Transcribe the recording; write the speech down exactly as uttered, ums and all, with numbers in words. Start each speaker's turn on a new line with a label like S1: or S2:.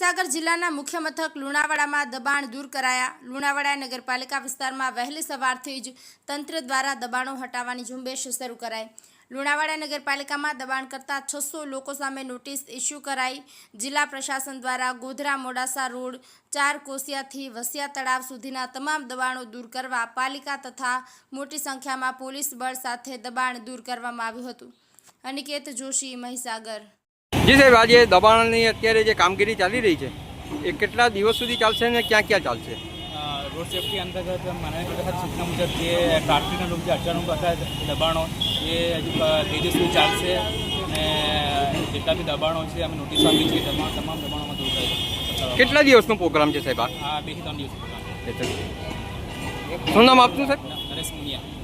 S1: મહીસાગર જિલ્લાના મુખ્ય મથક લુણાવાડામાં દબાણ દૂર કરાયા। લુણાવાડા નગરપાલિકા વિસ્તારમાં વહેલી સવારથી જ તંત્ર દ્વારા દબાણો હટાવવાની ઝુંબેશ શરૂ કરાઈ। લુણાવાડા નગરપાલિકામાં દબાણ કરતા છસો લોકો સામે નોટિસ ઇસ્યુ કરાઈ। જિલ્લા પ્રશાસન દ્વારા ગોધરા મોડાસા રોડ ચાર કોસિયાથી વસિયા તળાવ સુધીના તમામ દબાણો દૂર કરવા પાલિકા તથા મોટી સંખ્યામાં પોલીસ બળ સાથે દબાણ દૂર કરવામાં આવ્યું હતું। અનિકેત જોશી, મહીસાગર।
S2: જી સાહેબ, આજે દબાણની અત્યારે જે કામગીરી ચાલી રહી છે એ કેટલા દિવસ સુધી ચાલશે અને ક્યાં ક્યાં ચાલશે?
S3: રોડ સેફ્ટી અંતર્ગત માનનીય પ્રશાસન સૂચના મુજબ જે ટ્રાફિકના રૂપ જે અચાનક હતા દબાણો એ હજુ બે દિવસ સુધી ચાલશે અને જેટલા બી દબાણો છે અમે નોટિસ આપી છે તમામ તમામ દબાણોમાં દૂર થાય।
S2: કેટલા દિવસનો પ્રોગ્રામ છે સાહેબ?
S3: આ બે થી ત્રણ દિવસ પ્રોગ્રામ।
S2: શું નામ આપનું સાહેબ?
S3: નરેશ મુનિયા।